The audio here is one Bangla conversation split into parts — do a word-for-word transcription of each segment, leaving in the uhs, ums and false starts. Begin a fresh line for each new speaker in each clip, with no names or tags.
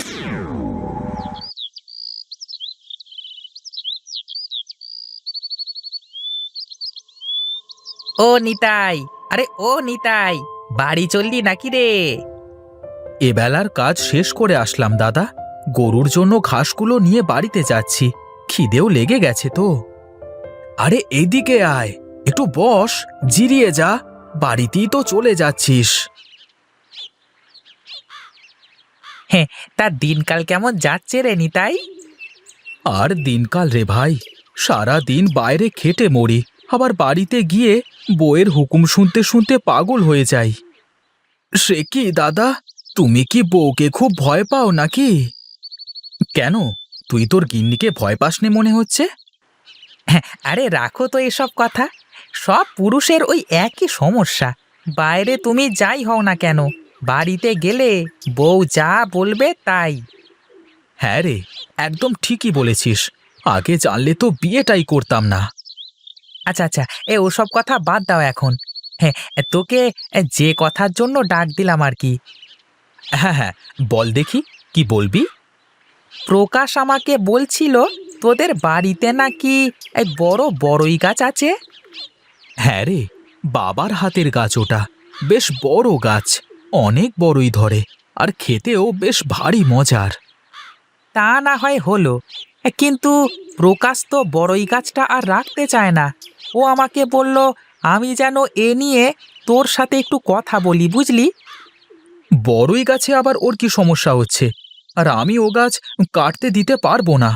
ও নিতাই, আরে ও নিতাই, বাড়ি চললি নাকি রে?
এবেলার কাজ শেষ করে আসলাম দাদা। গরুর জন্য ঘাসগুলো নিয়ে বাড়িতে যাচ্ছি। খিদেও লেগে গেছে তো। আরে এদিকে আয়, একটু বস, জিরিয়ে যা। বাড়িতেই তো চলে যাচ্ছিস।
হ্যাঁ, তা দিনকাল কেমন যাচ্ছে রে নিতাই?
আর দিনকাল রে ভাই, সারা দিন বাইরে খেটে মরি, আবার বাড়িতে গিয়ে বউয়ের হুকুম শুনতে শুনতে পাগল হয়ে যাই। সে কি দাদা, তুমি কি বউকে খুব ভয় পাও নাকি? কেন, তুই তোর গিন্নিকে ভয় পাস নে মনে হচ্ছে?
হ্যাঁ, আরে রাখো তো এসব কথা। সব পুরুষের ওই একই সমস্যা। বাইরে তুমি যাই হও না কেন, বাড়িতে গেলে বউ যা বলবে তাই।
হ্যাঁ রে, একদম ঠিকই বলেছিস। আগে জানলে তো বিয়েটাই করতাম না।
আচ্ছা আচ্ছা, এ ওসব কথা বাদ দাও এখন। হ্যাঁ, তোকে যে কথার জন্য ডাক দিলাম আর কি।
হ্যাঁ হ্যাঁ, বল দেখি, কি বলবি?
প্রকাশ আমাকে বলছিল তোদের বাড়িতে নাকি এক বড় বড়ই গাছ আছে।
হ্যাঁ রে, বাবার হাতের গাছ ওটা। বেশ বড় গাছ, অনেক বড়ই ধরে, আর খেতেও বেশ ভারী মজার।
তা না হয় হলো, কিন্তু প্রকাশ তো বড়ই গাছটা আর রাখতে চায় না। ও আমাকে বলল আমি যেন এ নিয়ে তোর সাথে একটু কথা বলি, বুঝলি?
বড়ই গাছে আবার ওর কি সমস্যা হচ্ছে? আর আমি ও গাছ কাটতে দিতে পারবো না।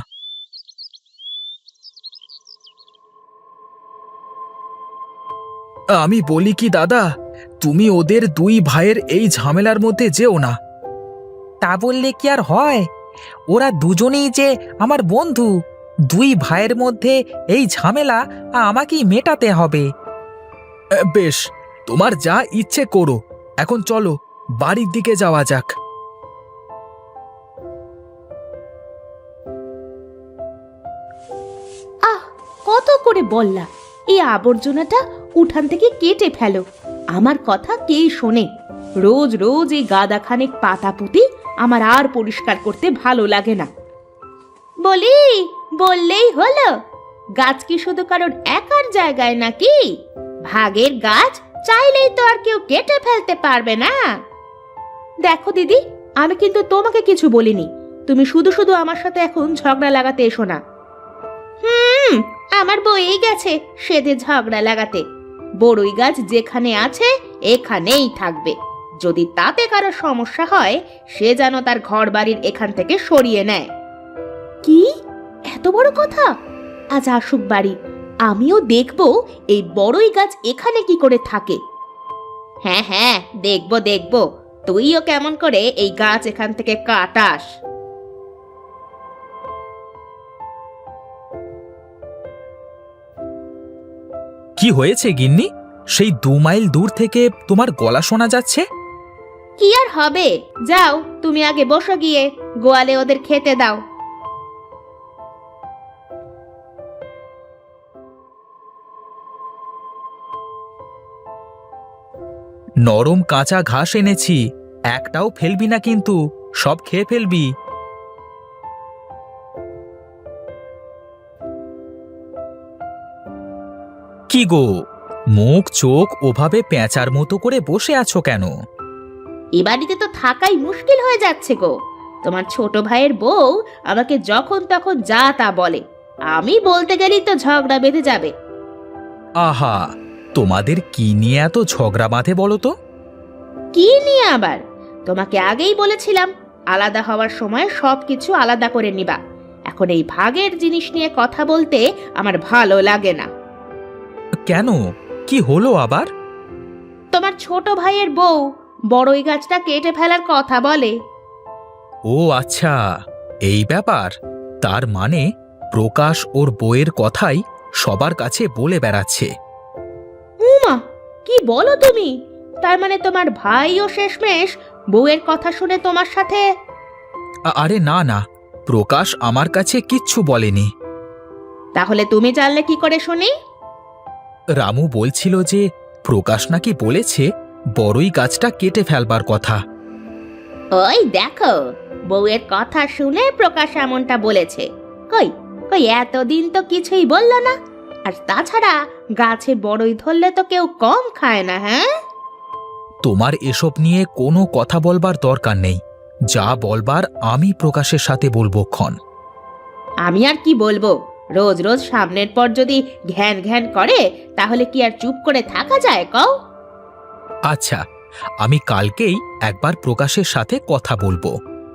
আমি বলি কি দাদা, তুমি ওদের দুই ভাইয়ের এই ঝামেলার মধ্যে যেও না।
তা বললে কি আর হয়? ওরা দুজনেই যে আমার বন্ধু। দুই ভাইয়ের মধ্যে এই ঝামেলা আমাকেই মেটাতে হবে।
এ, বেশ, তোমার যা ইচ্ছে করো। এখন চলো, বাড়ির দিকে যাওয়া যাক।
আহ, কত করে বললা এই আবর্জনাটা উঠান থেকে কেটে ফেলো। আমার কথা কে শোনে? রোজ রোজ এই গাদা খানেক পাতা পুঁতি আমার আর পরিষ্কার করতে ভালো লাগে না। বলি, বললেই হলো। গাছ কি শুধু কারোর একার জায়গায় নাকি? ভাগের গাছ চাইলেই তো আর কেউ কেটে ফেলতে পারবে না। দেখো দিদি, আমি কিন্তু তোমাকে কিছু বলিনি। তুমি শুধু শুধু আমার সাথে এখন ঝগড়া লাগাতে এসো না। হুম, আমার বই গেছে সেদে ঝগড়া লাগাতে। বড়ই গাছ যেখানে আছে এখানেই থাকবে। যদি তাতে কারো সমস্যা হয়, সে যেন তার ঘর বাড়ির এখান থেকে সরিয়ে নেয়। কি এত বড় কথা? আজ আসুক বাড়ি, আমিও দেখবো এই বড়ই গাছ এখানে কি করে থাকে। হ্যাঁ হ্যাঁ, দেখবো দেখবো তুইও কেমন করে এই গাছ এখান থেকে কাটাস।
কি হয়েছে গিন্নি? সেই দু মাইল দূর থেকে তোমার গলা শোনা যাচ্ছে।
কি আর হবে, যাও তুমি আগে বসো গিয়ে, গোয়ালে ওদের খেতে দাও।
নরম কাঁচা ঘাস এনেছি, একটাও ফেলবি না কিন্তু, সব খেয়ে ফেলবি। কি গো, মুখ চোখ ওভাবে পেঁচার মতো করে বসে আছো কেন?
এ বাড়িতে তো থাকাই মুশকিল হয়ে যাচ্ছে গো। তোমার ছোট ভাইয়ের বউ আমাকে যখন তখন যা তা বলে। আমি বলতে গেলেই তো ঝগড়া বেঁধে যাবে।
আহা, তোমাদের কি নিয়ে এত ঝগড়া বাঁধে বলো তো?
কি নিয়ে আবার? তোমাকে আগেই বলেছিলাম আলাদা হওয়ার সময় সবকিছু আলাদা করে নিবা। এখন এই ভাগের জিনিস নিয়ে কথা বলতে আমার ভালো লাগে না।
কেন, কি হলো আবার?
তোমার ছোট ভাইয়ের বউ বড়ই গাছটা কেটে ফেলার কথা বলে।
ও আচ্ছা, এই ব্যাপার। তার মানে প্রকাশ ওর বউয়ের কথাই সবার কাছে বলে বেড়াচ্ছে।
উমা, কি বলো তুমি? তার মানে তোমার ভাইও শেষমেশ বউয়ের কথা শুনে তোমার সাথে?
আ- আরে না না, প্রকাশ আমার কাছে কিচ্ছু বলেনি।
তাহলে তুমি জানলে কি করে শুনি?
রামু বলছিল যে প্রকাশ নাকি বলেছে বড়ই গাছটা কেটে ফেলবার কথা।
ওই দেখো, বউয়ের কথা শুনে প্রকাশ এমনটা বলেছে। কই কই এতদিন তো কিছুই বললো না। আর তাছাড়া গাছে বড়ই ধরলে তো কেউ কম খায় না। হ্যাঁ,
তোমার এসব নিয়ে কোনো কথা বলবার দরকার নেই। যা বলবার আমি প্রকাশের সাথে বলবো ক্ষণ।
আমি আর কি বলবো? রোজ রোজ সামনের পর যদি ঘ্যান ঘ্যান করে তাহলে কি আর চুপ করে থাকা যায় কও?
আচ্ছা, আমি কালকেই একবার প্রকাশের সাথে কথা বলবো।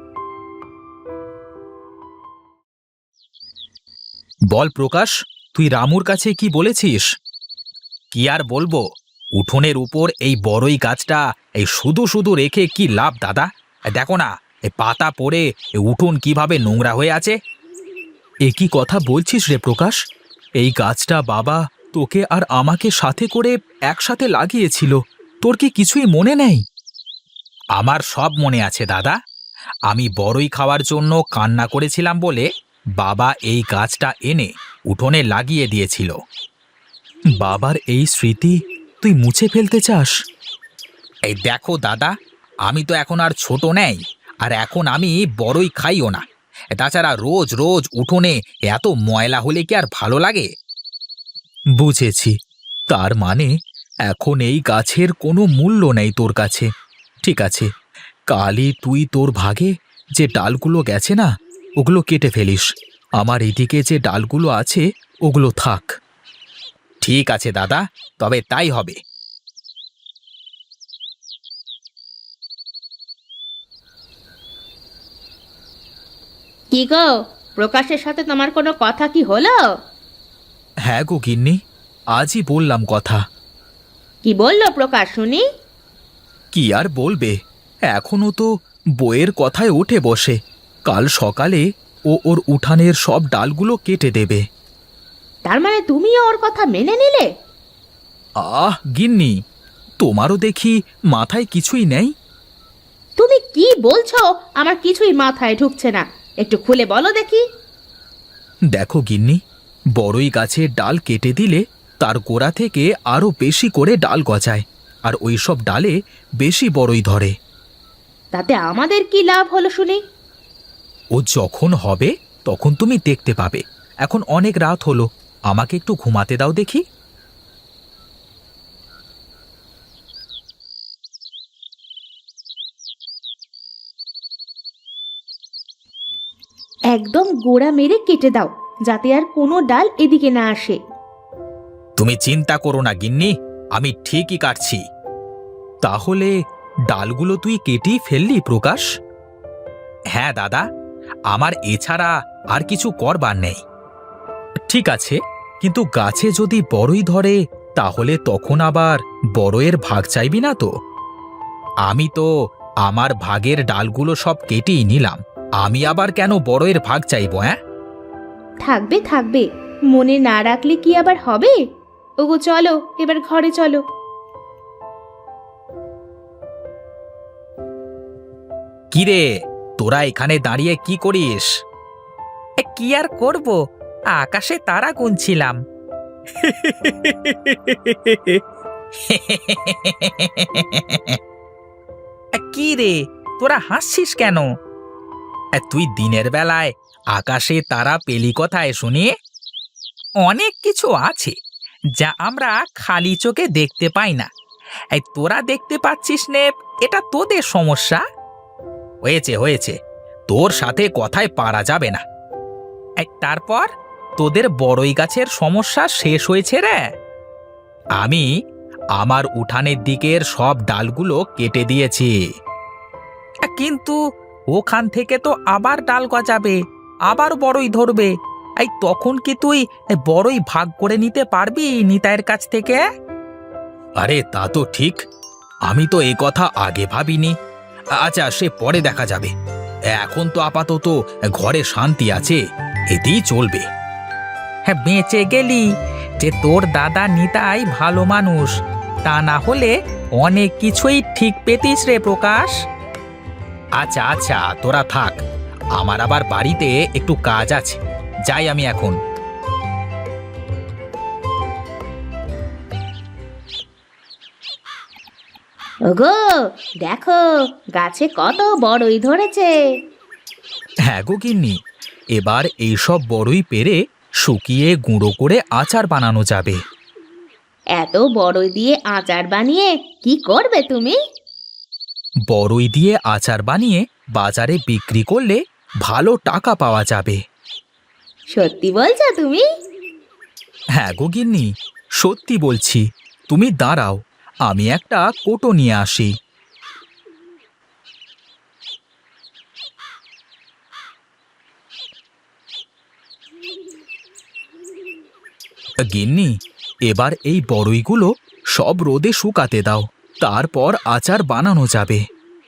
বল প্রকাশ, তুই রামুর কাছে কি বলেছিস? কি আর বলবো, উঠোনের উপর এই বড়ই গাছটা এই শুধু শুধু রেখে কি লাভ দাদা? দেখো না, এই পাতা পড়ে এই উঠোন কিভাবে নোংরা হয়ে আছে। এ কি কথা বলছিস রে প্রকাশ? এই গাছটা বাবা তোকে আর আমাকে সাথে করে একসাথে লাগিয়েছিল, তোর কি কিছুই মনে নেই? আমার সব মনে আছে দাদা। আমি বড়ই খাওয়ার জন্য কান্না করেছিলাম বলে বাবা এই গাছটা এনে উঠোনে লাগিয়ে দিয়েছিল। বাবার এই স্মৃতি তুই মুছে ফেলতে চাস? এই দেখো দাদা, আমি তো এখন আর ছোট নেই, আর এখন আমি বড়ই খাইও না। তাছাড়া রোজ রোজ উঠোনে এত ময়লা হলে কি আর ভালো লাগে? বুঝেছি, তার মানে এখন এই গাছের কোনো মূল্য নেই তোর কাছে। ঠিক আছে, কালই তুই তোর ভাগে যে ডালগুলো গেছে না, ওগুলো কেটে ফেলিস। আমার এদিকে যে ডালগুলো আছে ওগুলো থাক। ঠিক আছে দাদা, তবে তাই হবে।
কি গো, প্রকাশের সাথে তোমার কোনো কথা কি হলো?
হ্যাঁ গো গিন্নি, আজই বললাম কথা।
কি বললো প্রকাশ শুনি?
কি আর বলবে, এখনো তো বইয়ের কথায় উঠে বসে। কাল সকালে ও ওর উঠানের সব ডালগুলো কেটে দেবে।
তার মানে তুমিও ওর কথা মেনে নিলে?
আহ গিন্নি, তোমারও দেখি মাথায় কিছুই নেই।
তুমি কি বলছো? আমার কিছুই মাথায় ঢুকছে না, একটু খুলে বলো দেখি।
দেখো গিন্নি, বড়ই গাছের ডাল কেটে দিলে তার গোড়া থেকে আরো বেশি করে ডাল গজায়, আর ওই সব ডালে বেশি বড়ই ধরে।
তাতে আমাদের কি লাভ হলো শুনি?
ও যখন হবে তখন তুমি দেখতে পাবে। এখন অনেক রাত হলো, আমাকে একটু ঘুমাতে দাও দেখি।
একদম গোড়া মেরে কেটে দাও, যাতে আর কোনো ডাল এদিকে না আসে।
তুমি চিন্তা করো না গিন্নি, আমি ঠিকই কাটছি। তাহলে ডালগুলো তুই কেটেই ফেললি প্রকাশ? হ্যাঁ দাদা, আমার এছাড়া আর কিছু করবার নেই। ঠিক আছে, কিন্তু গাছে যদি বড়ই ধরে তাহলে তখন আবার বড়য়ের ভাগ চাইবি না তো? আমি তো আমার ভাগের ডালগুলো সব কেটেই নিলাম, আমি আবার কেন বড়য়ের ভাগ চাইবো? হ্যাঁ,
থাকবে থাকবে, মনে না রাখলে কি আবার হবে? ওগো চলো, এবার ঘরে চলো।
কিরে, তোরা এখানে দাঁড়িয়ে কি করিস?
এ, কি আর করব, আকাশে তারা গুনছিলাম। এ, কি রে, তোরা হাসছিস কেন?
এ, তুই দিনের বেলায় আকাশে তারা পেলি কোথায় শুনি?
অনেক কিছু আছে যা আমরা খালি চোখে দেখতে পাই না। এই তোরা দেখতে পাচ্ছিস নে, এটা তোদের সমস্যা।
হয়েছে হয়েছে, তোর সাথে কথায় পারা যাবে না।
এই তারপর তোদের বড়ই গাছের সমস্যা শেষ হয়েছে রে?
আমি আমার উঠানের দিকের সব ডালগুলো কেটে দিয়েছি।
আ, কিন্তু ওখান থেকে তো আবার ডাল গজাবে, আবার বড়ই ধরবে। এই তখন কি তুই এ, বড়ই ভাগ করে নিতে পারবি নিতাইয়ের কাছ থেকে?
আরে তা তো ঠিক, আমি তো এই কথা আগে ভাবিনি। আচ্ছা, সে পরে দেখা যাবে। এখন তো আপাতত ঘরে শান্তি আছে, এতেই চলবে।
হ্যাঁ, বেঁচে গেলি যে তোর দাদা নিতাই ভালো মানুষ, তা না হলে অনেক কিছুই ঠিক পেতিস রে প্রকাশ।
আচ্ছা আচ্ছা, তোরা থাক, আমার আবার বাড়িতে একটু কাজ আছে, যাই আমি এখন।
ওগো, দেখো গাছে কত বড়ই ধরেছে।
হ্যাঁ গো গিন্নি, এবার এইসব বড়ই পেরে শুকিয়ে গুঁড়ো করে আচার বানানো যাবে।
এত বড়ই দিয়ে আচার বানিয়ে কি করবে তুমি?
বড়ই দিয়ে আচার বানিয়ে বাজারে বিক্রি করলে ভালো টাকা পাওয়া যাবে।
সত্যি বলছো তুমি?
হ্যাঁ গো গিন্নি, সত্যি বলছি। তুমি দাঁড়াও, আমি একটা কোটো নিয়ে আসি। গিন্নি, এবার এই বড়ইগুলো সব রোদে শুকাতে দাও, তারপর আচার বানানো যাবে।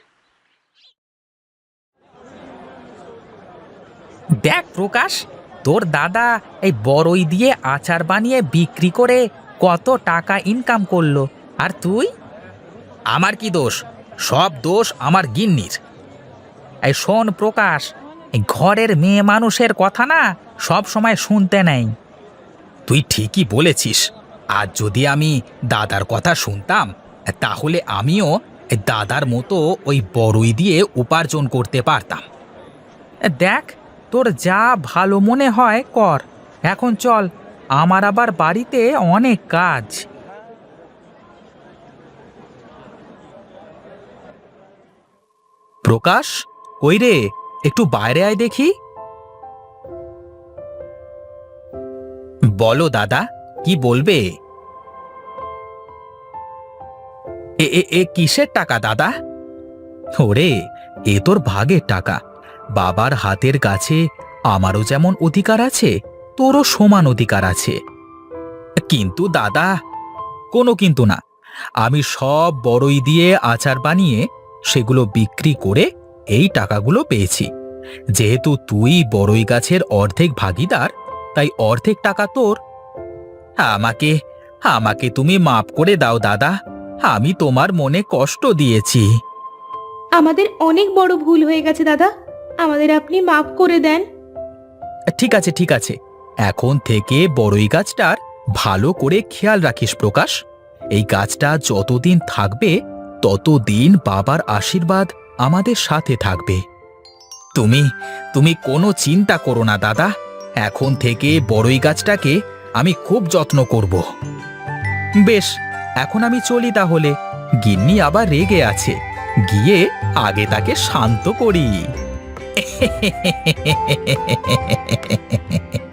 দেখ প্রকাশ, তোর দাদা এই বড়ই দিয়ে আচার বানিয়ে বিক্রি করে কত টাকা ইনকাম করলো, আর তুই?
আমার কি দোষ? সব দোষ আমার গিন্নির।
এই শোন প্রকাশ, এই ঘরের মেয়ে মানুষের কথা না সব সময় শুনতে নেই।
তুই ঠিকই বলেছিস। আজ যদি আমি দাদার কথা শুনতাম, তাহলে আমিও দাদার মতো ওই বড়ই দিয়ে উপার্জন করতে পারতাম।
দেখ, তোর যা ভালো মনে হয় কর। এখন চল, আমার আবার বাড়িতে অনেক কাজ।
প্রকাশ, কই রে? একটু বাইরে আয় দেখি। বলো দাদা, কি বলবে? এ এ এ কিসের টাকা দাদা? ওরে, এ তোর ভাগের টাকা। বাবার হাতের কাছে আমারও যেমন অধিকার আছে, তোরও সমান অধিকার আছে। কিন্তু দাদা, কোনো কিন্তু না। আমি সব বড়ই দিয়ে আচার বানিয়ে সেগুলো বিক্রি করে এই টাকাগুলো পেয়েছি। যেহেতু তুই বড়ই গাছের অর্ধেক ভাগীদার, তাই অর্ধেক টাকা তোর। আমাকে আমাকে তুমি মাপ করে দাও দাদা, আমি তোমার মনে কষ্ট দিয়েছি।
আমাদের অনেক বড় ভুল হয়ে গেছে দাদা, আমাদের আপনি মাফ করে দেন।
ঠিক আছে ঠিক আছে, এখন থেকে বড়ই গাছটার ভালো করে খেয়াল রাখিস প্রকাশ। এই গাছটা যতদিন থাকবে ততদিন বাবার আশীর্বাদ আমাদের সাথে থাকবে। তুমি তুমি কোনো চিন্তা করো না দাদা, এখন থেকে বড়ই গাছটাকে আমি খুব যত্ন করব। বেশ, এখন আমি চলি তাহলে। গিন্নি আবার রেগে আছে, গিয়ে আগে তাকে শান্ত করি।